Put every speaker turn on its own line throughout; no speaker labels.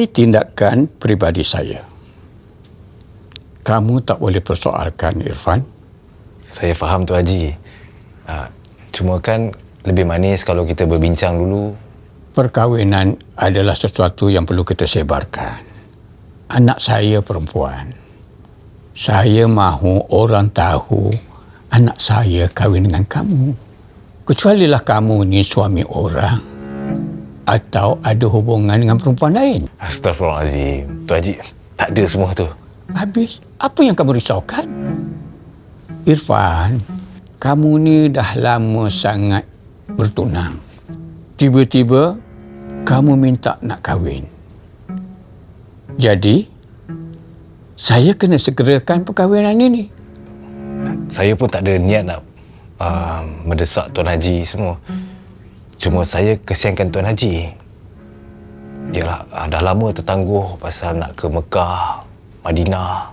Ini tindakan peribadi saya. Kamu tak boleh persoalkan, Irfan.
Saya faham tu Haji. Cuma kan lebih manis kalau kita berbincang dulu.
Perkahwinan adalah sesuatu yang perlu kita sebarkan. Anak saya perempuan. Saya mahu orang tahu anak saya kahwin dengan kamu. Kecualilah kamu ni suami orang atau ada hubungan dengan perempuan lain.
Astaghfirullahaladzim. Tu Haji, tak ada semua tu.
Habis, apa yang kamu risaukan? Irfan, kamu ni dah lama sangat bertunang. Tiba-tiba, kamu minta nak kahwin. Jadi, saya kena segerakan perkahwinan ini.
Saya pun tak ada niat nak mendesak Tuan Haji semua. Cuma saya kesiankan Tuan Haji. Yalah, dah lama tertangguh pasal nak ke Mekah, Madinah.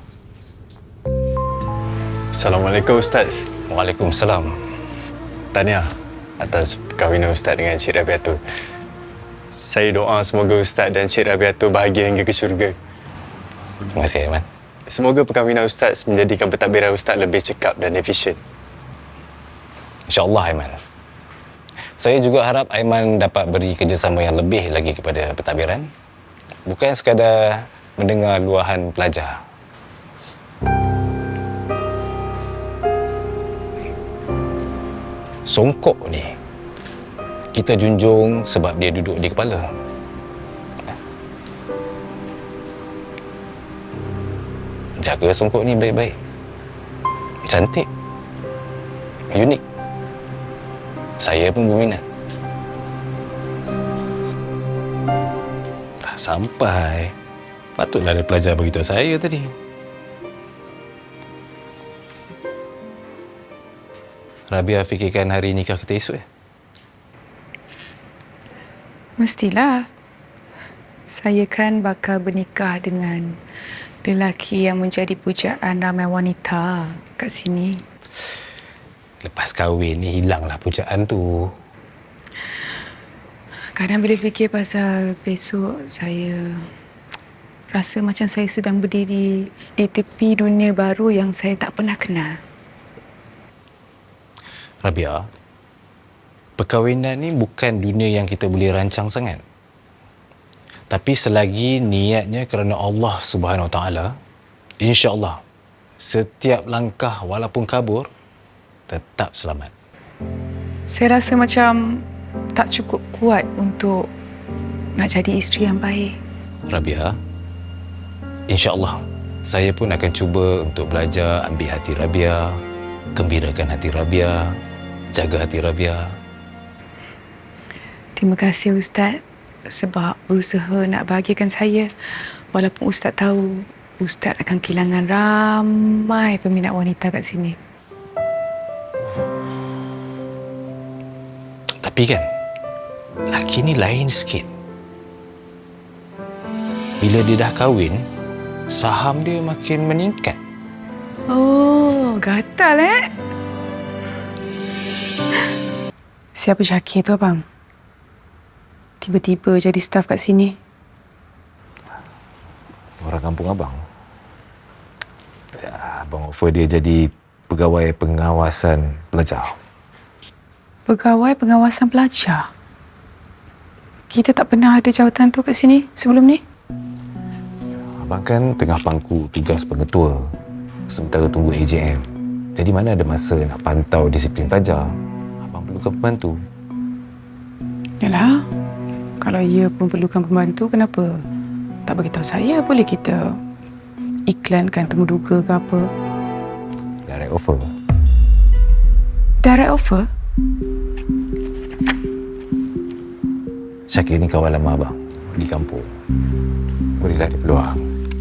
Assalamualaikum Ustaz.
Waalaikumsalam.
Tahniah atas perkahwinan Ustaz dengan Cik Rabiatul. Saya doa semoga Ustaz dan Cik Rabiatul bahagia hingga ke syurga.
Terima kasih, Aiman.
Semoga perkahwinan Ustaz menjadikan pentadbiran Ustaz lebih cekap dan efisien.
InsyaAllah, Aiman. Saya juga harap Aiman dapat beri kerjasama yang lebih lagi kepada pentadbiran. Bukan sekadar mendengar luahan pelajar. Songkok ni kita junjung sebab dia duduk di kepala. Jaga songkok ni baik-baik. Cantik. Unik. Saya pun berminat. Dah sampai. Patutlah ada pelajar beritahu saya tadi. Rabia fikirkan hari nikah kita esok ya?
Mestilah. Saya kan bakal bernikah dengan lelaki yang menjadi pujaan ramai wanita kat sini.
Lepas kahwin ni hilanglah pujaan tu.
Kadang bila fikir pasal besok, saya rasa macam saya sedang berdiri di tepi dunia baru yang saya tak pernah kenal.
Rabia, perkahwinan ni bukan dunia yang kita boleh rancang sangat. Tapi selagi niatnya kerana Allah Subhanahu Wa Taala, insya-Allah setiap langkah walaupun kabur tetap selamat.
Saya rasa macam tak cukup kuat untuk nak jadi isteri yang baik.
Rabia, insya-Allah saya pun akan cuba untuk belajar ambil hati Rabia, gembirakan hati Rabia, jaga hati Rabia.
Terima kasih Ustaz sebab berusaha nak bahagiakan saya. Walaupun Ustaz tahu Ustaz akan kehilangan ramai peminat wanita kat sini.
Tapi kan, laki ni lain sikit. Bila dia dah kahwin, saham dia makin meningkat.
Oh, gatal Siapa Syakir tu abang? Tiba-tiba jadi staf kat sini.
Orang kampung abang. Ya, abang offer dia jadi pegawai pengawasan pelajar.
Pegawai pengawasan pelajar? Kita tak pernah ada jawatan tu kat sini sebelum ni?
Abang kan tengah pangku tugas pengetua sementara tunggu AJM. Jadi mana ada masa nak pantau disiplin pelajar. Abang perlukan pembantu.
Yalah, kalau ia pun perlukan pembantu, kenapa tak beritahu saya? Boleh kita iklankan temuduga ke apa?
Direct offer.
Direct offer?
Syakir ni kawan lama abang di kampung. Bolehlah dia peluang.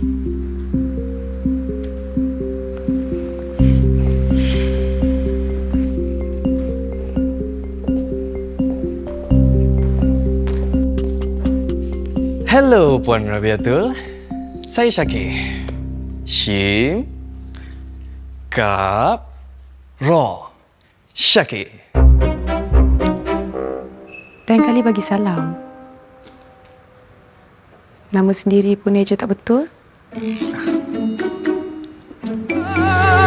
Hello Puan Rabiatul. Saya Syakir. Shin Kap Ra Syakir.
Lain kali bagi salam. Nama sendiri pun eja tak betul.